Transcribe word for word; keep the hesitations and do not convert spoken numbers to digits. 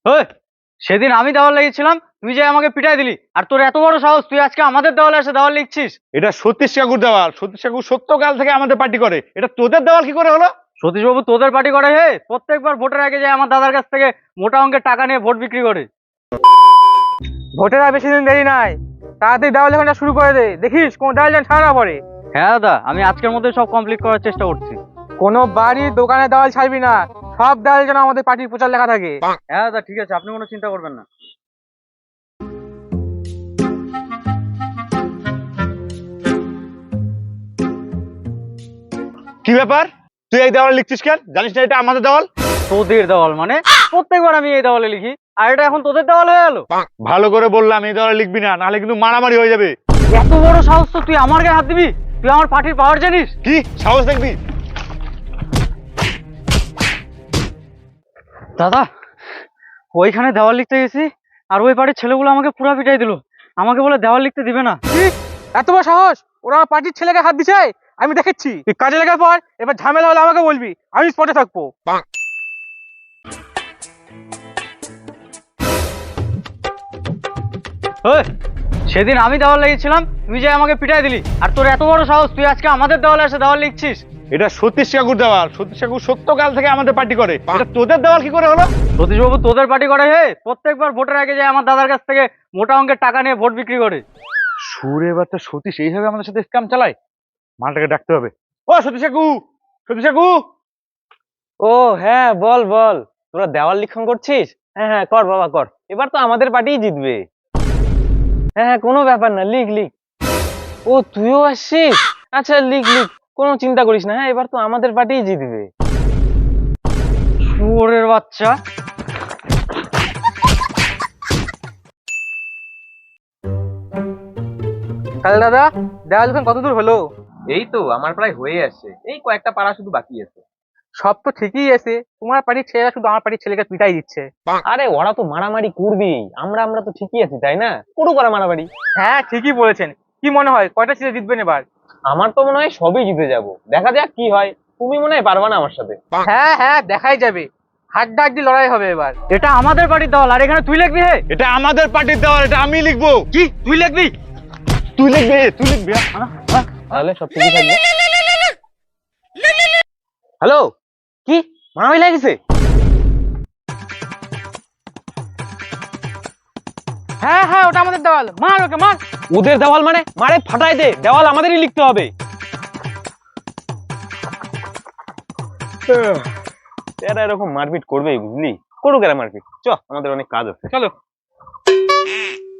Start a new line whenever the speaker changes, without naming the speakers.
ওই, সেদিন আমি দেওয়াল লিখেছিলাম, তুই যে আমাকে পিটাই দিলি, আর তোর এত বড় সাহস তুই আজকে আমাদের দেওয়ালে এসে দেওয়াল লিখছিস।
এটা সতীশ কাকুর দেওয়াল। সতীশ কাকু সত্যকাল থেকে আমাদের পার্টি করে, এটা তোদের দেওয়াল কি করে হলো?
সতীশ বাবু তোদের পার্টি করে হে, প্রত্যেকবার ভোটের আগে যায় আমার দাদার কাছ থেকে মোটা অঙ্কের টাকা নিয়ে ভোট বিক্রি করে।
ভোটের আর বেশি দিন দেরি নাই, তাড়াতাড়ি দেওয়াল লেখাটা শুরু করে দে, দেখিস কোন দেওয়াল যেন ছাড়া না পড়ে।
হ্যাঁ দাদা, আমি আজকের মধ্যে সব কমপ্লিট করার চেষ্টা করছি।
কোনো বাড়ি দোকানে দেওয়াল ছাড়বি না, সব দেওয়াল যেন আমাদের পার্টির প্রচার লেখা থাকে।
হ্যাঁ দাদা ঠিক আছে, আপনি কোনো চিন্তা করবেন না।
কি ব্যাপার, তুই এই দেওয়াল লিখছিস কেন? জানিস না এটা আমাদের দেওয়াল?
তোদের দেওয়াল মানে? প্রত্যেকবার আমি এই দেওয়ালে লিখি, আর এটা এখন তোদের দেওয়াল হয়ে গেল।
ভালো করে বললাম এই দেওয়ালে লিখবি না, নাহলে কিন্তু মারামারি হয়ে যাবে।
এত বড় সাহস তো তুই আমার গায়ে হাত দিবি? তুই আমার পার্টির পাওয়ার জানিস?
কি সাহস দেখবি?
দাদা, ওইখানে দেওয়াল লিখতে গেছি, আর ওই বাড়ির ছেলেগুলো আমাকে পুরা পিটাই দিল, আমাকে বলে দেওয়াল লিখতে দিবে না।
কি এত বড় সাহস? ওরা আমার পার্টির ছেলেকে হাত দিছে, আমি দেখেছি। তুই কাজে লেখার পর এবার ঝামেলা হলে আমাকে বলবি, আমি স্পটে থাকবো।
ওই, সেদিন আমি দেওয়াল লিখেছিলাম, তুই যে আমাকে পিটাই দিলি, আর তোর এত বড় সাহস তুই আজকে আমাদের দেওয়ালে এসে দেওয়াল লিখছিস।
এটা সতীশ কাকুর দেওয়াল। সতীশ কাকু সত্যকাল থেকে আমাদের পার্টি করে, এটা তোদের দেওয়াল কি করে হলো?
সতীশ বাবু তোদের পার্টি করে হে, প্রত্যেকবার ভোটের আগে যায় আমার দাদার কাছ থেকে মোটা অঙ্কের টাকা নিয়ে ভোট বিক্রি করে।
সুরে বাচ্চা সতীশ এইভাবে আমাদের সাথে স্ক্যাম চালায়? মালটাকে ডাকতে হবে। ও সতীশ কাকু, সতীশ কাকু।
ও হ্যাঁ, বল বল, তোরা দেওয়াল লিখন করছিস? হ্যাঁ হ্যাঁ, কর বাবা কর, এবার তো আমাদের পার্টিই জিতবে। হ্যাঁ হ্যাঁ, কোনো ব্যাপার না, লিখ লিখ। ও তুইও আসছিস? আচ্ছা লিখ লিখ, কোনো চিন্তা করিস না। হ্যাঁ, এবার তো আমাদের পার্টিই জিতবে।
শুয়োরের বাচ্চা।
তাহলে দাদা, দেওয়াল লিখন কত দূর হলো?
এই তো আমার প্রায় হয়ে আসছে, এই কয়েকটা পাড়া শুধু বাকি আছে।
সব তো ঠিকই আছে, তোমার পার্টির ছেলেরা শুধু আমার পার্টির ছেলেকে পিটাই দিচ্ছে।
আরে ওরা তো মারামারি করবেই, আমরা আমরা তো ঠিকই আছি তাই না? পুরো করা মারামারি।
হ্যাঁ ঠিকই বলেছেন। কি মনে হয় কয়টা ছেলে জিতবেন এবার?
আমার তো মনে হয় সবই জিতে যাব, দেখা যাক কি হয়। তুমি মনে হয় পারবা না আমার সাথে।
হ্যাঁ হ্যাঁ, দেখাই যাবে, হাড্ডাহাড্ডি লড়াই হবে এবার।
এটা আমাদের পার্টির দেওয়াল, আর এখানে তুই লিখবি হে?
এটা আমাদের পার্টির দেওয়াল, এটা আমি লিখবো।
কি তুই লিখবি?
তুই লিখবি, তুই লিখবি।
তাহলে সব ঠিকই থাকবে। হ্যালো, কি মারামারি লাগছে?
হ্যাঁ হ্যাঁ, ওটা আমাদের দেওয়াল, মার ওকে মার।
ওদের দেওয়াল মানে? মারে ফাটাই দে, দেওয়াল আমাদেরই লিখতে হবে। এরা এরকম মারপিট করবেই, বুঝলি? করুক এরা মারপিট, চ আমাদের অনেক কাজ আছে, চলো।